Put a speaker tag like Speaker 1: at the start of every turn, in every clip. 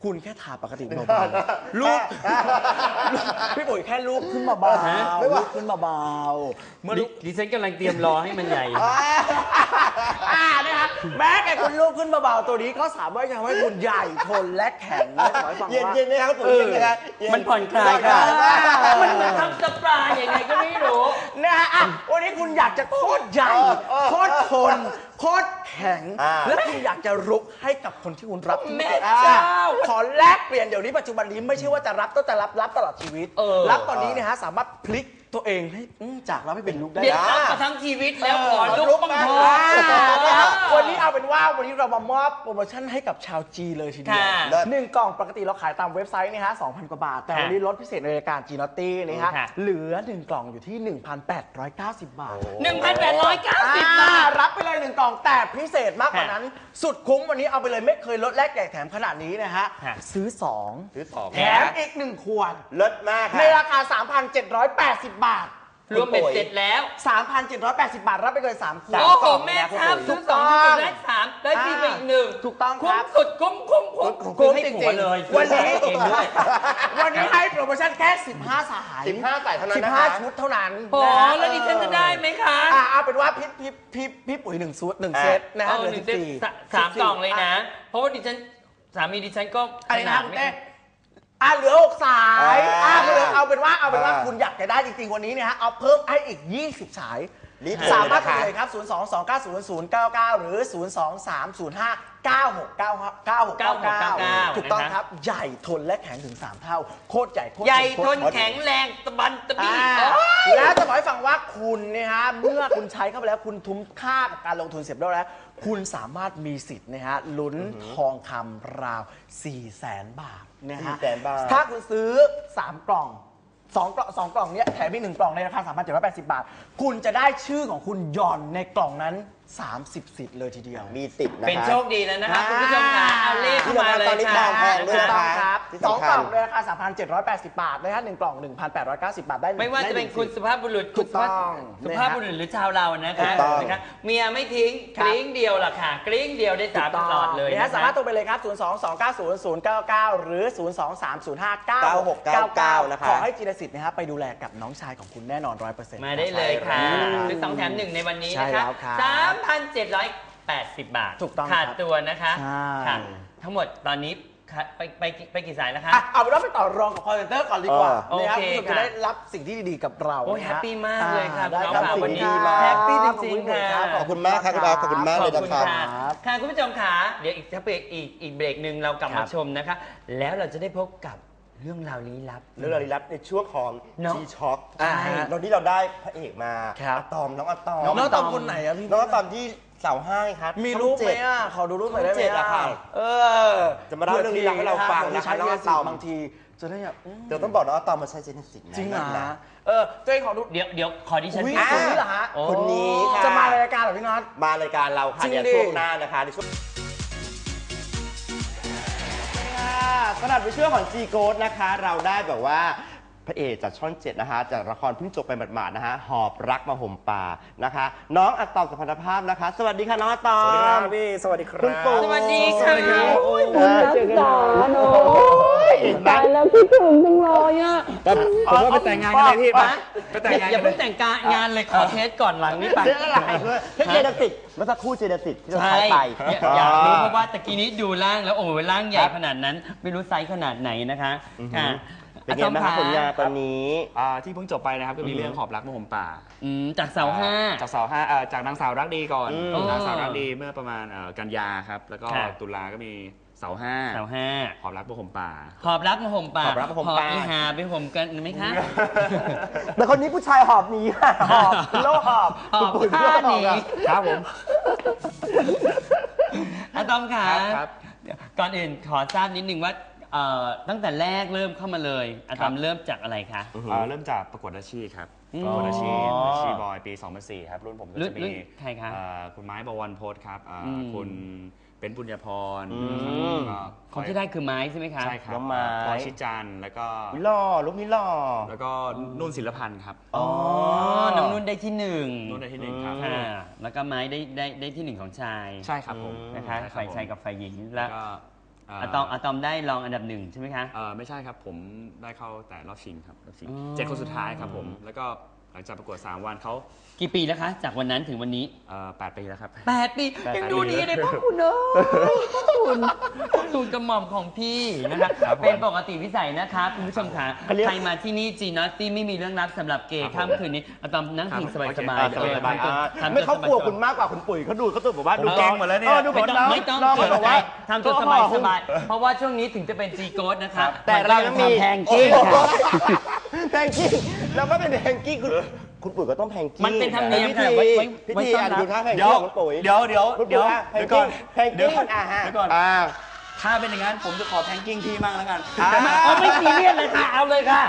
Speaker 1: คุณแค่ทาปกติเบาๆลูกพี่ปุ๋ยแค่ลูกขึ้นเบาๆลูกขึ้นเบาๆเมื่อ
Speaker 2: ดิฉันกำลังเตรียมรอให้มันใหญ่
Speaker 1: นะคะแม้แต่คุณลูกขึ้นเบาๆตัวนี้ก็สามารถทำให้คุณใหญ่ทนและแข็งและขอให้ฟังว่า
Speaker 3: เย็นๆนะครับปุ๋ยเย็นนะครับ
Speaker 2: มันผ่อนคลายค่ะมันทำสปาอย่างไงก็ไม่รู้
Speaker 1: นะฮะวันนี้คุณอยากจะโคตรใหญ่โคตรทนโคตรแข็งและคุณอยากจะรุกให้กับคนที่คุณรัก
Speaker 2: แม่เจ้า
Speaker 1: ขอแลกเปลี่ยนเดี๋ยวนี้ปัจจุบันนี้ไม่ใช่ว่าจะรับต้องแต่รับตลอดชีวิตรับตอนนี้นะฮะสามารถพลิกตัวเองให้จากรับให้เป็นลุกได้
Speaker 2: เดี๋ยวรับมาทั้งชีวิตแล้วขอลุกบ้างเถอะ
Speaker 1: วันนี้เอาเป็นว่าวันนี้เรามามอบโปรโมชั่นให้กับชาวจีเลยทีเดียว1 กล่องปกติเราขายตามเว็บไซต์นะฮะ 2,000 กว่าบาทแต่วันนี้ลดพิเศษในรายการจีนอตตี้นะฮะเหลือ1 กล่องอยู่ที่ 1,890 บาท
Speaker 2: 1,890 บาท
Speaker 1: รับไปเลย1 กล่องแต่พิเศษมากกว่านั้นสุดคุ้มวันนี้เอาไปเลยไม่เคยลดแลกแจกแถมขนาดนี้นะฮะซื้อ2แถมอีก1 ขวด
Speaker 3: ลดมาก
Speaker 1: ในราคา 3,780 บาท
Speaker 2: รวมเป็นเสร็จแล้ว
Speaker 1: 3,780 บาทรับไปเลย3 ขวด
Speaker 2: โอ้โหแม่ครับซื้อ2ก็ได้3ได้ฟรีไปอีก1
Speaker 1: ถูกต้อง
Speaker 2: ครับสุดคุ้ม
Speaker 1: จริงๆเลยวันนี้ให้โปรโมชั่นแค่15 สาย
Speaker 3: 15 สายเท่านั้น
Speaker 1: 15 ชุดเท่านั้น
Speaker 2: โอ้แล้วดิฉันจะได้ไหมคะ
Speaker 1: เอาเป็นว่าพี่ปุ๋ย1 ชุด1 เซตนะฮะเหลือ
Speaker 2: 3 กล่องเลยนะเพราะว่าดิฉันสามีดิฉันก็
Speaker 1: ขนาดไม่เหลือ6 สายเอาเป็นว่าคุณอยากจะได้จริงๆวันนี้เนี่ยฮะเอาเพิ่มให้อีก20 สายสามารถโทรเลยครับ022900099หรือ023059699ถูกต้องครับใหญ่ทนและแข็งถึง3 เท่าโคตรใหญ่โคตร
Speaker 2: ใหญ่ทนแข็งแรงตะบันตะบี้
Speaker 1: แล้วจะบอกให้ฟังว่าคุณเนี่ยฮะเมื่อคุณใช้เข้าไปแล้วคุณทุ้มค่ากับการลงทุนเสร็จแล้วคุณสามารถมีสิทธิ์นะฮะลุ้นทองคำราว 400,000 บาทนะฮะถ้าคุณซื้อ3 กล่อง2 กล่องเนี้ยแถมอีก1 กล่องในราคา 3,780 บาทคุณจะได้ชื่อของคุณหย่อนในกล่องนั้น30 สิทธิ์เลยทีเดียว
Speaker 3: มีติดนะ
Speaker 2: เป็นโชคดีแล้วนะครับคุณผู้ชมค่ะเอาเลขเข้ามาเลย
Speaker 3: ค่ะ
Speaker 1: ถูกต้องครับ2 กล่องในราคา 3,780 บาทนะฮะ1 กล่อง 1,890 บาทได้
Speaker 2: ไม่ว่าจะเป็นคุณสุภาพบุรุษสุภาพบุรุษหรือชาวเรานะคะเมียไม่ทิ้งกริ้งเดียวล่ะค่ะกริ้งเดียวได้3 ตลอดเลย
Speaker 1: นะสามารถโทรไปเลยครับ022900099หรือ023059699
Speaker 3: นะครับ
Speaker 1: ขอให้จิรสิทธิ์นะฮะไปดูแลกับน้องชายของคุณแน่นอน 100%
Speaker 2: มาได้เลยค่ะซื้อ2 แถม 1ในวันนี้นะคะ3,780 บาทขาดตัวนะคะค่ะทั้งหมดตอนนี้ไปกี่สายแล้วคะ
Speaker 1: เอาเป็นว่าไปต่อรองกับคอลเซ็นเตอร์ก่อนดีกว่านะครับคุณจะได้รับสิ่งที่ดีๆกับเรา
Speaker 2: โอ้แฮปปี้มากเลยค่ะ
Speaker 1: ได้
Speaker 2: ครับ
Speaker 1: วันนี้
Speaker 2: แฮปปี้จริงๆค่ะ
Speaker 3: ขอบคุณมากครับคุณอาขอบคุณมากเลยนะครับ
Speaker 2: ค่ะคุณผู้ชมค่ะเดี๋ยวอีกเบรกหนึ่งเรากลับมาชมนะคะแล้วเราจะได้พบกับเรื่องราวลี้ลับ
Speaker 3: ในช่วงของชีช็อกตอนนี้เราได้พระเอกมาอะตอมน้องอะตอ
Speaker 1: มคนไหนอะพี่
Speaker 3: น้องอะตอมที่เสาห้าครับ
Speaker 1: มีรูปไหมอ่ะขอดูรูปหน่อยได้ไหม
Speaker 3: จะมาเล่าเรื่องลี้ลับให้เราฟังนะคะน้องอะตอม
Speaker 1: บางทีจะได้แบบ
Speaker 3: เดี๋ยวต้องบอกน้องอะตอมมาใช้เจเนสิก
Speaker 1: จริงเหรอตัวเองขอดู
Speaker 2: เดี๋ยวขอดิฉัน
Speaker 1: พี่คนนี้เหรอฮะ
Speaker 3: คนนี้
Speaker 1: จะมารายการเหรอพี่น็อต
Speaker 3: มารายการเราค่ะเดี๋ยวช่วงหน้านะคะในช่วงสำหรับในช่วงของจีโกดนะคะเราได้แบบว่าพระเอกจากช่อง7นะคะจากละครเพิ่งจบไปหมาดๆนะคะหอบรักมาห่มป่านะคะน้องอะตอมสุพรรณภาพนะคะสวัสดีค่ะน้องอะตอม
Speaker 1: สวัสดีครับพี่สวัสดีครับ
Speaker 3: คุณปู่
Speaker 2: สวัสดีค่ะ
Speaker 4: คุณรักษาโน้ตายแล้วคิดถึงจังเลยอ่ะ
Speaker 1: ผมว่าไปแต่งงานกันเลยพี่ไปแต่งงาน
Speaker 2: อย่าเพิ่งแต่งงานเลยขอเทสก่อนหลังนี้ไป
Speaker 3: เรื่องอะไรเจเนสิกเมื่อสักครู่เจเนสิกที่เราใช้ไป
Speaker 2: อยากรู้เพราะว่าตะกี้นี้ดูร่างแล้วโอ้ยร่างใหญ่ขนาดนั้นไม่รู้ไซส์ขนาดไหนนะคะ
Speaker 3: เป็นไงบ้างครับผลงานตอนนี้
Speaker 5: ที่เพิ่งจบไปนะครับก็มีเรื่องหอบรักมาห่มป่า
Speaker 2: จากเสาห้า
Speaker 5: จากนางสาวรักดีก่อนนางสาวรักดีเมื่อประมาณกันยาครับแล้วก็ตุลาก็มีเสาห้าหอบรักมาห่มป่า
Speaker 2: หอบรักมาห่มป่าหอบอีหาไปห่มกันไหมคะ
Speaker 3: แต่คนนี้ผู้ชายหอบหนีหอบโลหอบ
Speaker 2: ผ้าหนี
Speaker 5: ครับผม
Speaker 2: อะตอมค่ะก่อนอื่นขอทราบนิดนึงว่าตั้งแต่แรกเริ่มเข้ามาเลยอะตอมเริ่มจากอะไรคะ
Speaker 5: เริ่มจากประกวดอาชีพครับประกวดอาชีพบอยปี 2004 ครับรุ่นผมก็จะมี
Speaker 2: ใครคะ
Speaker 5: คุณไม้บวรพจน์ครับคุณเป็นปุญญพร
Speaker 2: คนที่ได้คือไม้ใช่ไหมคะ
Speaker 5: ใช่ครับพรชิจันแล้วก็
Speaker 3: ลูกนี่หล่อ
Speaker 5: แล้วก็นุ่นศิลพันธ์ครับ
Speaker 2: น้องนุ่นได้ที่1
Speaker 5: นุ่นได้ที่1ครับ
Speaker 2: แล้วก็ไม้ได้ที่1ของชาย
Speaker 5: ใช่ครับผม
Speaker 2: นะคะฝ่ายชายกับฝ่ายหญิงแล้วอะตอมได้รองอันดับหนึ่งใช่ไหมคะ
Speaker 5: ไม่ใช่ครับผมได้เข้าแต่รอบชิงครับรอบชิง7 คนสุดท้ายครับผมแล้วก็หลังจากประกวด3 วันเขา
Speaker 2: กี่ปีแล้วคะจากวันนั้นถึงวันนี้
Speaker 5: 8 ปีแล้วครับ
Speaker 2: 8 ปียังดูดีเลยพ่อคุณเนอะคุณตูนกระหม่อมของพี่นะคะเป็นปกติวิสัยนะคะคุณผู้ชมค่ะใครมาที่นี่จีนอตตี้ไม่มีเรื่องลับสำหรับเกย์ค่ำคืนนี้อะตอมนั่งพิงสบายๆ
Speaker 3: ไม่เขากลัวคุณมากกว่าคุณปุ๋ยเขาดูเขาตัวบอกว่าดู
Speaker 5: เก่งหมดแล้วเนี่ย
Speaker 3: ดู
Speaker 2: ไม่ต้อง
Speaker 3: น้อง
Speaker 2: เกร
Speaker 3: เขา
Speaker 2: ง
Speaker 3: บอก
Speaker 2: ใจ
Speaker 3: ว่า
Speaker 2: ทำตัวสบายๆเพราะว่าช่วงนี้ถึงจะเป็นจีโกดนะคะ
Speaker 3: แต่เรายังมี
Speaker 2: แพงกิ้งค่ะ
Speaker 3: แพงกิ้งเราก็เป็นแพงกิ้งคุณปุ๋ยก็ต้องแพงกิ้ง
Speaker 2: มันเป็นธรรมเนียม
Speaker 3: พิ
Speaker 2: ค่ะ
Speaker 3: ธี
Speaker 2: ไว้
Speaker 3: พิธี
Speaker 2: ต้อนรับ
Speaker 3: ดูท่าแพง
Speaker 5: เดี๋ย
Speaker 3: กิ้
Speaker 5: ว
Speaker 3: งของคุณปุ๋ย
Speaker 5: เดี๋ยวเดี๋ยว
Speaker 3: คุณ
Speaker 5: เดี๋
Speaker 3: ปุ๋
Speaker 5: ย
Speaker 3: ยว แพงกิ้งแพง
Speaker 5: เดี๋
Speaker 3: กิ้
Speaker 5: ยว
Speaker 3: ง
Speaker 5: ก่อน
Speaker 3: ฮะ
Speaker 5: เดี๋ยวก่อน
Speaker 3: อ่า
Speaker 5: ถ้าเป็นอย่างนั้นผมจะขอแพงกิ้งพี่มั่งแล้วกัน
Speaker 2: ไม่ซีเรียสเลยค่ะเอาเลยค่ะ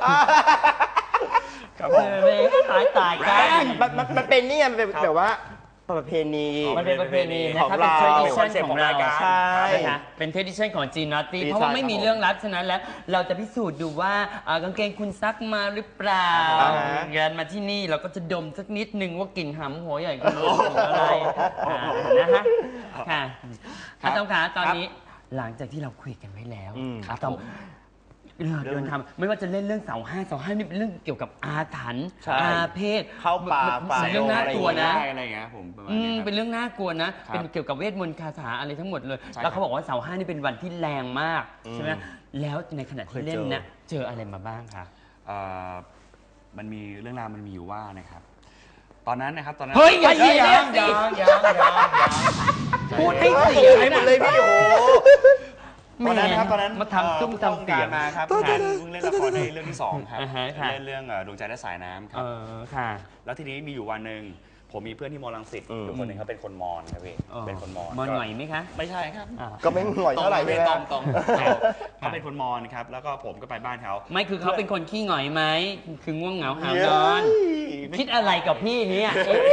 Speaker 5: ครับผม
Speaker 2: ตายกัน
Speaker 3: มันเป็นนี่ไงมันเป็นแบบว่าประเพณี
Speaker 2: มันเป็นประเพณีนะ
Speaker 3: ของ
Speaker 2: ครับ
Speaker 3: เรา
Speaker 2: เป็น tradition ของเรา
Speaker 3: ใช่
Speaker 2: นะคะเป็น tradition ของจีนนอตตี้
Speaker 3: ดี
Speaker 2: เพราะว่าไม่
Speaker 3: ใช่
Speaker 2: มีเรื่องลับฉะนั้นแล้ว เราจะพิสูจน์ดูว่ากางเกงคุณซักมาหรือเปล่า
Speaker 3: อ่าฮะ
Speaker 2: เงินมาที่นี่เราก็จะดมสักนิดนึงว่ากลิ่นหำหัวใหญ่คุณหรืออะไรนะฮะค่ะอาตอมขาตอนนี้หลังจากที่เราคุยกันไว้แล้วอาตอมเดินทางไม่ว่าจะเล่นเรื่องเสาห้านี่เป็นเรื่องเกี่ยวกับอาถรรพ์
Speaker 3: ใช่
Speaker 2: อาเพศ
Speaker 3: เข้าป่าฝ่า
Speaker 2: เป็นเรื่องน่ากลัวนะ
Speaker 5: อะไรอย่างเงี้ยผมประมาณ
Speaker 2: อื
Speaker 5: นี้
Speaker 2: ม
Speaker 5: ครับ
Speaker 2: เป็นเรื่องน่ากลัวนะ
Speaker 5: ครับ
Speaker 2: เป็นเกี่ยวกับเวทมนต์คาถาอะไรทั้งหมดเลย
Speaker 5: ใช่
Speaker 2: แล้วเขา
Speaker 5: ครับ
Speaker 2: บอกว่าเสาห้านี่เป็นวันที่แรงมากใช่ไหมแล้วในขณะที่เล่นนะเจออะไรมาบ้างคะ
Speaker 5: มันมีเรื่องราวมันมีอยู่ว่านะครับ ตอนนั้นนะครับตอนนั้น
Speaker 2: เฮ้ยอย่าเสีย
Speaker 5: ยัง
Speaker 2: พูดให้เสีย
Speaker 3: ให้หมดเลยพี่โอ้โห
Speaker 5: ตอนนั้นนะครับตอนนั้น
Speaker 2: มาทำตุ้มทำเสียง
Speaker 5: มาครับเพิ่งเล่นละครในเรื่องที่ 2 ครับ
Speaker 2: อ่าฮะค่ะ
Speaker 5: เล่นเรื่องดวงใจและสายน้ำค
Speaker 2: เอ
Speaker 5: รับ
Speaker 2: อค่ะ
Speaker 5: แล้วทีนี้มีอยู่วันหนึ่งผมมีเพื่อนที่มอลังสิตอยู่คนหนึ่งเขาเป็นคนมอญครับพี่เป็นคนมอญ
Speaker 2: มอนหน่อยไหมคะ
Speaker 5: ไม่ใช่ครับ
Speaker 3: ก็ไม่หน่อยเท่าไหร่ใช่ไหม
Speaker 5: ตรงเขาเป็นคนมอญครับแล้วก็ผมก็ไปบ้านเขา
Speaker 2: ไม่คือเขาเป็นคนขี้หงอยไหมคือง่วงเหงาหาวนอน คิดอะไรกับพี่เนี่ย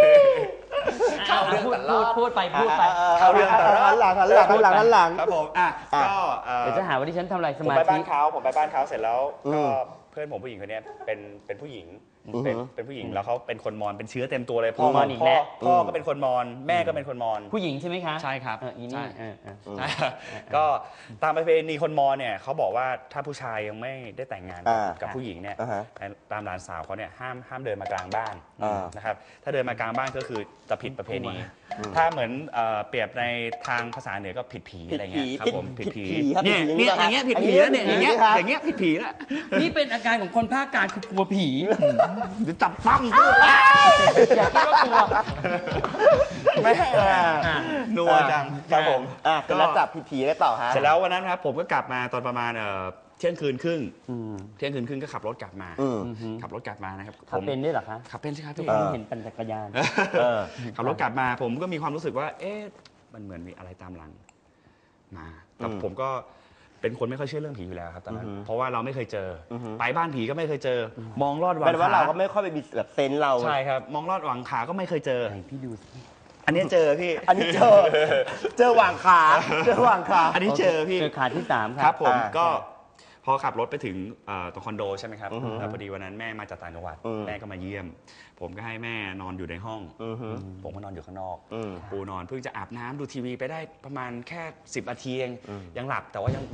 Speaker 2: พูดไป
Speaker 3: เอาเรื่องหันหลัง
Speaker 5: ครับผมก็
Speaker 2: เดี๋ยวจะหาว่าที่ฉันทำลายส
Speaker 5: ผม
Speaker 2: มา
Speaker 5: ไป
Speaker 2: ธิ
Speaker 5: บ้านเขาเสร็จแล้วก็เพื่อนผมผู้หญิงคนนี้เป็นผู้หญิงเป็นผู้หญิงแล้วเขาเป็นคนมอญเป็นเชื้อเต็มตัวเลยพ่อก็เป็นคนมอญแม่ก็เป็นคนมอญ
Speaker 2: ผู้หญิงใช่ไหมคะ
Speaker 5: ใช่ครับ
Speaker 2: อีนี่
Speaker 5: ใช่ก็ตามประเพณีคนมอญเนี่ยเขาบอกว่าถ้าผู้ชายยังไม่ได้แต่งงานกับผู้หญิงเนี่ยตามหลานสาวเขาเนี่ยห้ามเดินมากลางบ้านนะครับถ้าเดินมากลางบ้านก็คือจะผิดประเพณี ถ้าเหมือนเปรียบในทางภาษาเหนือก็ผิดผีอะไรเงี้ยครับผมผิดผีเนี่ยอย่างเงี้ยผิดผีแล้วเนี่ยอย่างเงี้ยผิดผีแล้ว
Speaker 2: นี่เป็นอาการของคนภาคกลางคือกลัวผี
Speaker 5: จับปั้ม
Speaker 2: อย่าคิดว่ากลัว
Speaker 3: ไม่
Speaker 5: นัวจัง
Speaker 3: ครับผมก็แล้วจับผีได้ต่อฮะ
Speaker 5: เสร็จแล้ววันนั้นครับผมก็กลับมาตอนประมาณเที่ยงคืนครึ่งก็ขับรถกลับมานะครับ
Speaker 2: ขับเป็นด้วยเหรอคะ
Speaker 5: ขับเป็นใช่ครับ
Speaker 2: ทุก
Speaker 5: พี่
Speaker 2: คนเห็นปั่นจักรยาน
Speaker 5: ขับรถกลับมาผมก็มีความรู้สึกว่าเอ๊ะมันเหมือนมีอะไรตามหลังมาแต่ผมก็เป็นคนไม่ค่อยเชื่อเรื่องผีอยู่แล้วครับตอนนั้นเพราะว่าเราไม่เคยเจอไปบ้านผีก็ไม่เคยเจอ มองลอดหวัง
Speaker 3: แปลว่า
Speaker 5: ขา
Speaker 3: เราก็ไม่ค่อยไปมีแบบเซนส์เรา
Speaker 5: ใช่ครับมองลอดหวังขาก็ไม่เคยเจอ
Speaker 2: ไหนพี่ดูสิ
Speaker 5: อันนี้เจอพี่
Speaker 3: อันนี้เจอหว่างขา
Speaker 5: อันนี้เจอพี่
Speaker 2: เจอขาที่3
Speaker 5: ครับผมก็พอขับรถไปถึงตรงคอนโดใช่ไหมครับแล้วพอดีวันนั้นแม่มาจากต่างจังหวัดแม่ก็มาเยี่ยม ผมก็ให้แม่นอนอยู่ในห้องผมก็นอนอยู่ข้างนอกปูนอนเพิ่งจะอาบน้ำดูทีวีไปได้ประมาณแค่10 นาทีเองยังหลับแต่ว่ายัง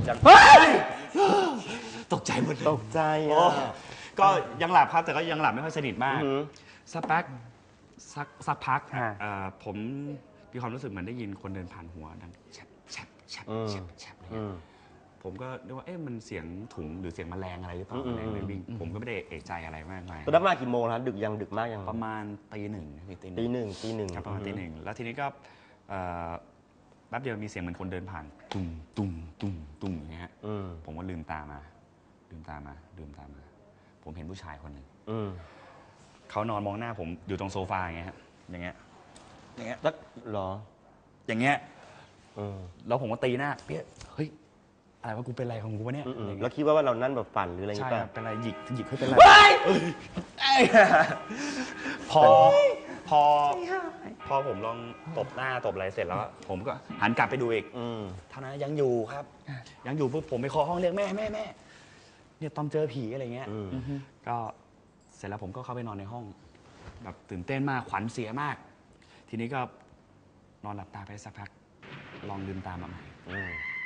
Speaker 5: ตกใจหมดเลย
Speaker 3: ตกใจ
Speaker 5: ก็ยังหลับครับแต่ก็ยังหลับไม่ค่อยสนิทมากสักพักผมมีความรู้สึกเหมือนได้ยินคนเดินผ่านหัวดังแฉบแฉบแฉบแฉบแฉบเลยผมก็นึกว่ามันเสียงถุงหรือเสียงแมลงอะไรหรือเปล่าแมลงเลยวิ่งผมก็ไม่ได้เอะใจอะไรมากมาย
Speaker 3: ตอนนั้นมากี่โมงนะดึกมากยัง
Speaker 5: ประมาณตีหนึ่ง
Speaker 3: ตีหนึ่ง
Speaker 5: ครับประมาณตีหนึ่งแล้วทีนี้ก็แป๊บเดียวมีเสียงเหมือนคนเดินผ่านตุ้มตุ้มตุ้มตุ้มอย่างเงี้ยผมก็ลืมตามาผมเห็นผู้ชายคนหนึ่งเขานอนมองหน้าผมอยู่ตรงโซฟาอย่างเงี้ยอย่างเงี้ย
Speaker 3: แล้วหรอ
Speaker 5: อย่างเงี้ยแล้วผมก็ตีหน้าเปี้ยเฮ้ยอะไรวะกูเป็นอะไรของกูวะเนี่ย
Speaker 3: แล้วคิดว่าเรานั่นแบบฝันหรืออะไรอย่าง
Speaker 5: ใช่
Speaker 3: เงี้ย
Speaker 5: ครับเป็นอะไรหยิกให้เป็นอะไรพอผมลองตบหน้าตบอะไรเสร็จแล้วผมก็หันกลับไปดูอีกเท่านั้นยังอยู่ครับยังอยู่ปุ๊บผมไปเคาะห้องเรียกแม่เนี่ยตอนเจอผีอะไรเงี้ยก็เสร็จแล้วผมก็เข้าไปนอนในห้องแบบตื่นเต้นมากขวัญเสียมาก ทีนี้ก็นอนหลับตาไปสักพักลองลืมตามาใหม่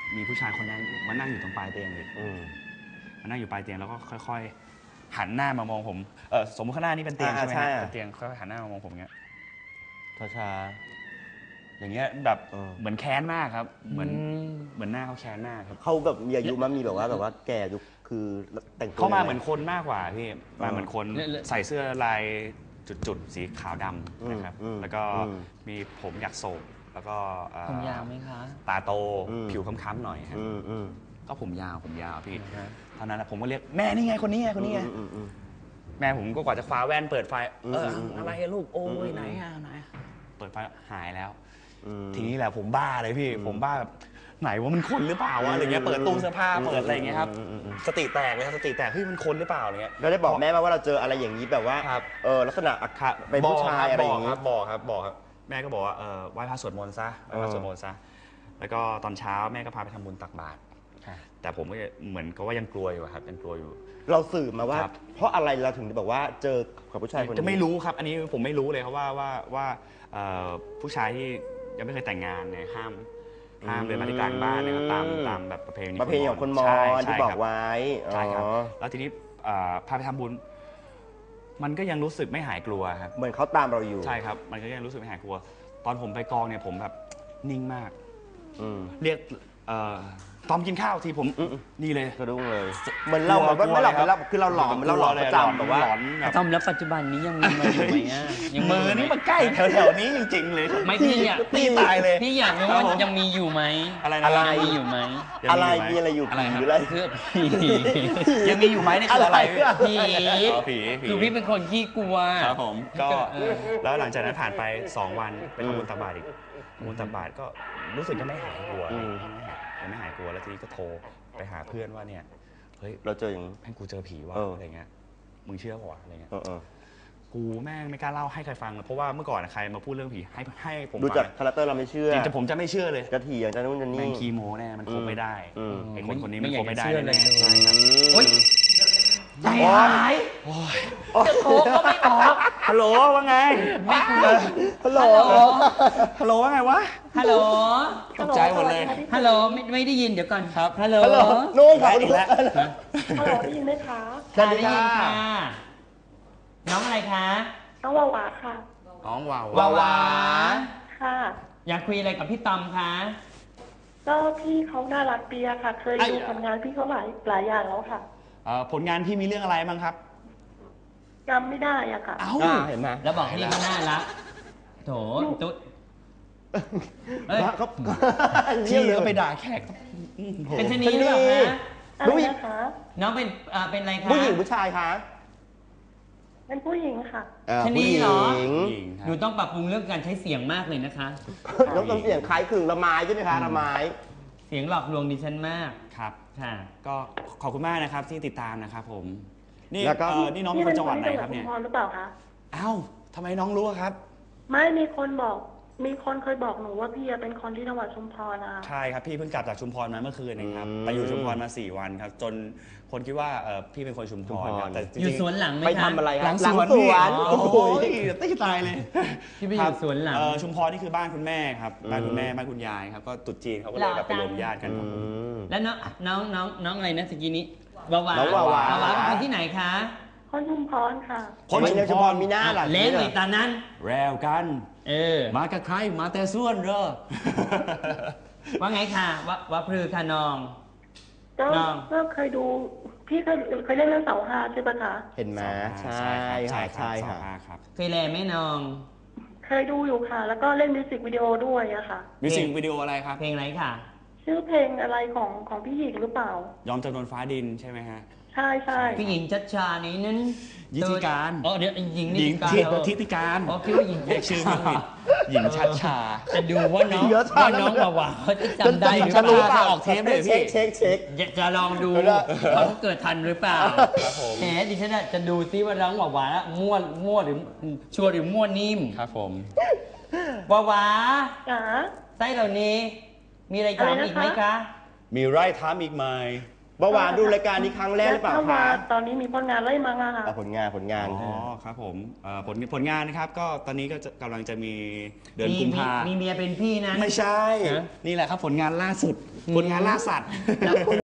Speaker 5: มีผู้ชายคนนั้นมานั่งอยู่ตรงปลายเตียงเลยมานั่งอยู่ปลายเตียงแล้วก็ค่อยๆหันหน้ามามองผมสมมติข้างหน้านี่เป็นเตียงใช่ไหมครับเป็นเตียงค่อยๆหันหน้ามามองผมเงี้ย
Speaker 3: ช้า
Speaker 5: อย่างเงี้ยแบบเหมือนแค้นมากครับเหมือนหน้าเขาแค้นมากครับ
Speaker 3: เขาแบบมีอายุมั้ยมีแบบว่าแก่ยุคคือแต่งตัว
Speaker 5: เขามาเหมือนคนมากกว่าพี่มาเหมือนคนใส่เสื้อลายจุดๆสีขาวดำนะครับแล้วก็มีผมอยากโศกแล้วก็
Speaker 2: ผมยาวไหมคะ
Speaker 5: ตาโตผิวค้ำๆหน่อยครับก็ผมยาวพี่เท่านั้นแหละผมก็เรียกแม่นี่ไงคนนี้ไงแม่ผมก็กว่าจะคว้าแว่นเปิดไฟอะไรลูกโอ้ยไหนเปิดไฟหายแล้วทีนี้แหละผมบ้าเลยพี่ผมบ้าแบบไหนว่ามันคนหรือเปล่าวะอะไรเงี้ยเปิดตู้เสื้อผ้าเปิดอะไรเงี้ยครับสติแตกเลยครับสติแตกเฮ้ยมันคนหรือเปล่าอะไรเงี้ย
Speaker 3: เราได้บอกแม่ว่าเราเจออะไรอย่างนี้แบบว่าลักษณะอักขระเป็นผู้ชายอะไรอย่างนี้
Speaker 5: บอกครับแม่ก็บอกว่าไหว้พระสวดมนต์ซะแล้วก็ตอนเช้าแม่ก็พาไปทำบุญตักบาตรแต่ผมก็เหมือนก็ว่ายังกลัวอยู่ครับยังกลัวอยู่
Speaker 3: เราสืบมาว่าเพราะอะไรเราถึงบอกว่าเจอกับผู้ชายคนนี้
Speaker 5: จะไม่รู้ครับอันนี้ผมไม่รู้เลยครับว่าผู้ชายที่ยังไม่เคยแต่งงานเนี่ยห้ามเดินมาที่กลางบ้านนะครับตามแบบประเพณี
Speaker 3: ของคนมอญที่บอกไว้
Speaker 5: ใช่ครับแล้วทีนี้พาไปทำบุญมันก็ยังรู้สึกไม่หายกลัวครับ
Speaker 3: เหมือนเขาตามเราอยู่
Speaker 5: ใช่ครับมันก็ยังรู้สึกไม่หายกลัวตอนผมไปกองเนี่ยผมแบบนิ่งมากเรียกตอมกินข้าวทีผมนี่เลย
Speaker 3: กระดุ้งเลยเหมือนเราไม่หลอกเราคือเราหลอนประจำแบบว่า
Speaker 2: ตอมแล้วปัจจุบันนี้ยังมีมาอยู่ไหม
Speaker 5: ยังมือนี่มันใกล้แถวๆนี้จริงๆเลย
Speaker 2: ไม่พี่อยาก
Speaker 5: ตีตายเลย
Speaker 2: พี่อยากรู้ว่ายังมีอยู่ไหม
Speaker 3: อะไร
Speaker 2: มีอยู่ไหม
Speaker 3: อะไรมีอะไรอยู่ผีหรืออะไร
Speaker 2: เพื่อผี
Speaker 5: ยังมีอยู่ไหมนี่คืออะไร
Speaker 2: ผีคือพี่เป็นคนขี้กลัว
Speaker 5: ครับผมก็แล้วหลังจากนั้นผ่านไป2 วันเป็นทำบุญตักบาตรอีกทำบุญตักบาตรก็รู้สึกจะไม่หายกลัวยังไม่หายกลัวแล้วทีนี้ก็โทรไปหาเพื่อนว่าเนี่ยเฮ้ย
Speaker 3: เราเจออย่าง
Speaker 5: แม่งกูเจอผีว่ะอะไรเงี้ยมึงเชื่อป่ะอะไรเงี้ยกูแม่งไม่กล้าเล่าให้ใครฟังเพราะว่าเมื่อก่อนใครมาพูดเรื่องผีให้ผม
Speaker 3: ดูจากคาแรคเตอร์เราไม่เชื่อ
Speaker 5: จริงๆผมจะไม่เชื่อเลย
Speaker 3: จะถี่อย่างจะนู่นจะนี่
Speaker 5: แม่งคีโมแน่มันคบไม่ได้ไอ้คนนี้มันคบไม่ได้
Speaker 2: เลย
Speaker 5: ครับ
Speaker 2: โอ๊ยใจหายจะโทรก็ไม่ออก
Speaker 5: ฮัลโหลว่าไง
Speaker 2: ไม่คุย
Speaker 5: ฮัลโหลว่าไงวะ
Speaker 2: ฮัลโหล
Speaker 5: ตกใจหมดเลย
Speaker 2: ฮัลโหลไม่ได้ยินเดี๋ยวก่อน
Speaker 5: ครับ
Speaker 2: ฮัลโหล
Speaker 3: นู่นค่ะ
Speaker 5: อีกแล้ว
Speaker 4: ฮัลโหลได้ยินไหมคะ
Speaker 2: ได้ยินค่ะน้องอะไรคะ
Speaker 4: น้องวาวาค่ะ
Speaker 5: น้องว
Speaker 2: าวา
Speaker 4: ค่ะ
Speaker 2: อยากคุยอะไรกับพี่ตอมคะ
Speaker 4: ก็พี่เขาน่ารักดีค่ะเคยดูผลงานพี่เขาหลายอย่างแล้วค่ะ
Speaker 5: ผลงานพี่มีเรื่องอะไรบ้างครับ
Speaker 4: จำไม่ได้อะค่ะ
Speaker 5: เห็นไหม
Speaker 2: แล้วบอกพี่เขาน่ารักโถตุ๊ด
Speaker 5: ที่ก็ไปด่าแขก
Speaker 2: เป็นชนีหรือเปล่าคะ
Speaker 4: อะไรนะคะ
Speaker 2: น้องเป็นอะไรคะ
Speaker 3: ผู้หญิงผู้ชายคะ
Speaker 4: เป็นผู้หญิงค่ะ
Speaker 2: ชนีเหรอหนูต้องปรับปรุงเรื่องการใช้เสียงมากเลยนะคะ
Speaker 3: ต้องเสียงคล้ายคลึงละไม้ใช่ไหมคะละไม้
Speaker 2: เสียงหลอกลวงดิฉันมาก
Speaker 5: ครับค่ะก็ขอบคุณมากนะครับที่ติดตามนะครับผมนี่นี่น้องเป็นคนจังหวัดไหนครับเนี่ย
Speaker 4: หรือเปล่าคะ
Speaker 5: อ้าวทำไมน้องรู้ครับ
Speaker 4: ไม่มีคนเคยบอกหนูว่าพี่เป็นคนที่จังหวัดชุมพรนะ
Speaker 5: ใช่ครับพี่เพิ่งกลับจากชุมพรมาเมื่อคืนนะครับไปอยู่ชุมพรมา4 วันครับจนคนคิดว่าพี่เป็นคนชุมพร
Speaker 2: แต่อยู่สวนหลังไหม
Speaker 3: ไปทำอะไร
Speaker 5: หลังสวนโอ้โหตีตายเลย
Speaker 2: พี่ไปอยู่สวนหลัง
Speaker 5: ชุมพรนี่คือบ้านคุณแม่ครับบ้านคุณแม่บ้านคุณยายครับก็ตุ๊จีนเขาก็เลยแบบไปรวมญาติกัน
Speaker 2: แล้วน้องอะไรนะสกีนี้วาวาเป็นคนที่ไหนคะ
Speaker 4: คนชุมพรค่ะ
Speaker 3: คนชุมพรมีหน้าหล่ะ
Speaker 2: เล่นเลยตอนนั้น
Speaker 5: แรวกันมากับใครมาแต่ส่วนเหรอ
Speaker 2: ว่าไงค่ะว่าพลือค่ะน้อง
Speaker 4: ก็เคยดูพี่เคยเล่นเรื่องเสาห้าใช่ปะคะ
Speaker 3: เห็นไหมใช่ค่ะ
Speaker 2: เคยแลไหมน้อง
Speaker 4: เคยดูอยู่ค่ะแล้วก็เล่นมิวสิกวิดีโอด้วยอะค่ะ
Speaker 5: มิวสิกวิดีโออะไรครับ
Speaker 2: เพลงอะไรค่ะ
Speaker 4: ชื่อเพลงอะไรของพี่หญิงหรือเปล่าย
Speaker 5: อมจำนวนฟ้าดินใช่ไหไหมฮะ
Speaker 4: ใช่
Speaker 2: พี่หญิงชัดชานี้นั้น
Speaker 5: ยิติการ
Speaker 2: เดี๋ยวหญิงนิ
Speaker 5: ติการ
Speaker 2: คิดว่าหญิง
Speaker 5: เรียกชื่อผิดหญิงชัดชา
Speaker 2: จะดูว่าน้องวาวาเขาจะจำได้หรือเปล่า
Speaker 5: ออกเทปเลยพี่
Speaker 3: เช็ค
Speaker 2: จะลองดูเขาเกิดทันหรือเปล่าแหมดิฉันจะดูซิว่าน้องวาวามั่วหรือชัวร์หรือมั่วนิ่ม
Speaker 5: ครับผม
Speaker 2: วาวา
Speaker 4: จ๋า
Speaker 2: ไส้เหล่านี้มีอะไรถามอีกไหมคะ
Speaker 5: มีไร่ถามอีกไหม
Speaker 3: เบาหวานดูรายการนี้ครั้งแรกหรือเปล่าคะ
Speaker 4: ตอนนี้มีผลงานอะไรมั้งอะคะ
Speaker 3: ผลงาน
Speaker 5: อ๋อครับผมผลงานนะครับก็ตอนนี้ก็กำลังจะมีเดือนกุมภา
Speaker 2: มีเมียเป็นพี่นะ
Speaker 5: ไม่ใช่
Speaker 2: ฮะ
Speaker 5: นี่แหละครับผลงานล่าสุดผลงานล่าสัตว์